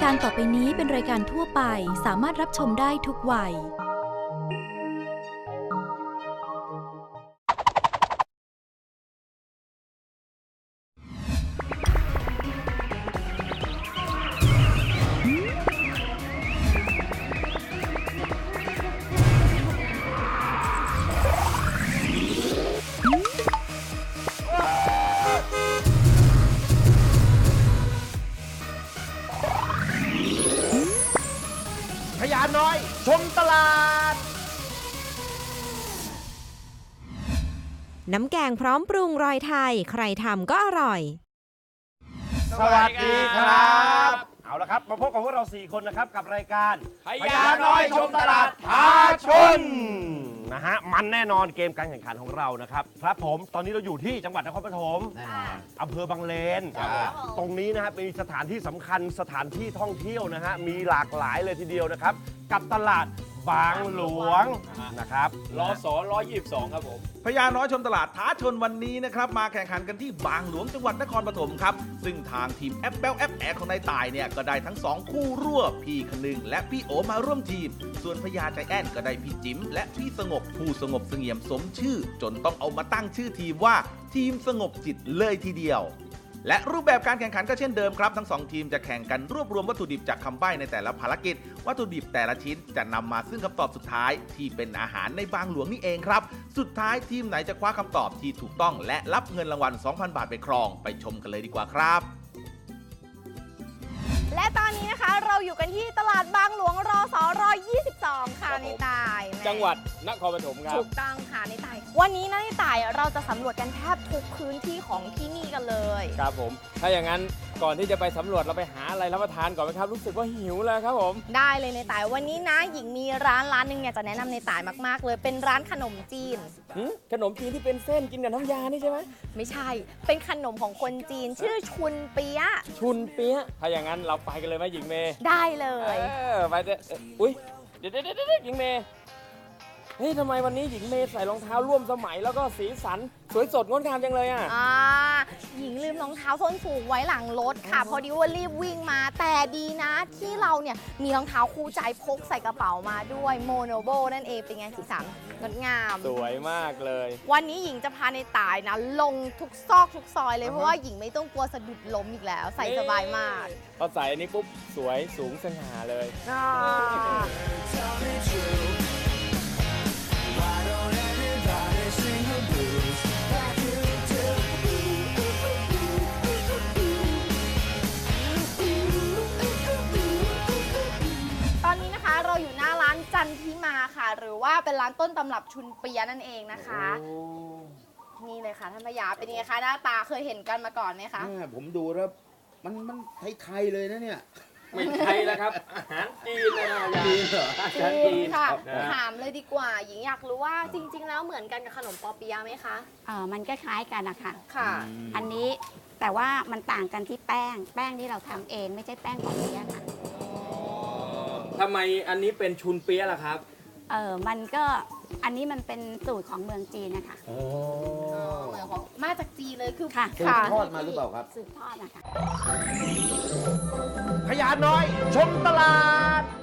การต่อไปนี้เป็นรายการทั่วไปสามารถรับชมได้ทุกวัยพญาน้อยชมตลาดน้ำแกงพร้อมปรุงรอยไทยใครทำก็อร่อยสวัสดีครับเอาละครับมาพบกับพวกเรา4คนนะครับกับรายการพญาน้อยชมตลาดท้าชนนะฮะมันแน่นอนเกมการแข่งขันของเรานะครับครับผมตอนนี้เราอยู่ที่จังหวัดนครปฐมอำเภอบางเลนตรงนี้นะฮะเป็นสถานที่สำคัญสถานที่ท่องเที่ยวนะฮะมีหลากหลายเลยทีเดียวนะครับกับตลาดบางหลวงนะครับรศ122ครับผมพญาน้อยชมตลาดท้าชนวันนี้นะครับมาแข่งขันกันที่บางหลวงจังหวัดนครปฐมครับซึ่งทางทีมแอปเปิลแอปแอร์ของนายต่ายเนี่ยก็ได้ทั้ง2คู่รั่วพี่คนึงและพี่โอมาร่วมทีมส่วนพญาใจแอนก็ได้พี่จิ๋มและพี่สงบผู้สงบเสงี่ยมสมชื่อจนต้องเอามาตั้งชื่อทีมว่าทีมสงบจิตเลยทีเดียวและรูปแบบการแข่งขันก็เช่นเดิมครับทั้ง2ทีมจะแข่งกันรวบรวมวัตถุดิบจากคำใบ้ในแต่ละภารกิจวัตถุดิบแต่ละชิ้นจะนำมาซึ่งคำตอบสุดท้ายที่เป็นอาหารในบางหลวงนี่เองครับสุดท้ายทีมไหนจะคว้าคำตอบที่ถูกต้องและรับเงินรางวัล 2,000 บาทไปครองไปชมกันเลยดีกว่าครับและตอนนี้นะคะเราอยู่กันที่ตลาดบางหลวงรศ122ค่ะในตายจังหวัดนครปฐมครับถูกต้องค่ะในตายวันนี้นะในตายเราจะสำรวจกันแทบทุกพื้นที่ของที่นี่กันเลยครับผมถ้าอย่างนั้นก่อนที่จะไปสำรวจเราไปหาอะไรรับประทานก่อนไหมครับรู้สึกว่าหิวเลยครับผมได้เลยในตายวันนี้นะหญิงมีร้านหนึ่งเนี่ยจะแนะนำในตายมากๆเลยเป็นร้านขนมจีนขนมจีนที่เป็นเส้นกินกับน้ำยานี่ใช่ไหมไม่ใช่เป็นขนมของคนจีนชื่อชุนเปี๊ยะถ้าอย่างนั้นเราไปกันเลยไหมหญิงเมย์ได้เลยไปเถอะอุ้ยเดี๋ยวหญิงเมย์เฮ้ยทำไมวันนี้หญิงเมย์ใส่รองเท้าร่วมสมัยแล้วก็สีสันสวยสดงดงามจังเลยหญิงลืมรองเท้าส้นสูงไว้หลังรถค่ะพอดีว่ารีบวิ่งมาแต่ดีนะที่เราเนี่ยมีรองเท้าคู่ใจพกใส่กระเป๋ามาด้วยโมโนโบนั่นเองเป็นไงสีสันงดงามสวยมากเลยวันนี้หญิงจะพาในต่ายนะลงทุกซอกทุกซอยเลยเพราะว่าหญิงไม่ต้องกลัวสะดุดล้มอีกแล้วใส่สบายมากพอใส่อันนี้ปุ๊บสวยสูงสง่าเลยเราอยู่หน้าร้านจันทิมาค่ะหรือว่าเป็นร้านต้นตำรับชุนเปียนั่นเองนะคะนี่เลยค่ะท่านพญาเป็นยังไงคะหน้าตาเคยเห็นกันมาก่อนไหมคะผมดูแล้วมันไทยๆเลยนะเนี่ยไม่ไทยแล้วครับอาหารจีนเลยนะจีนเหรออาหารจีนค่ะถามเลยดีกว่าหญิงอยากรู้ว่าจริงๆแล้วเหมือนกันกับขนมปอเปี๊ยะไหมคะมันก็คล้ายกันนะคะค่ะอันนี้แต่ว่ามันต่างกันที่แป้งที่เราทำเองไม่ใช่แป้งปอเปี๊ยะค่ะทำไมอันนี้เป็นชุนเปี๊ยะล่ะครับมันก็อันนี้มันเป็นสูตรของเมืองจีนนะคะเหมือนของมาจากจีนเลยคือค่ะสืบทอดมาหรือเปล่าครับสืบทอดนะคะพญาน้อยชมตลาด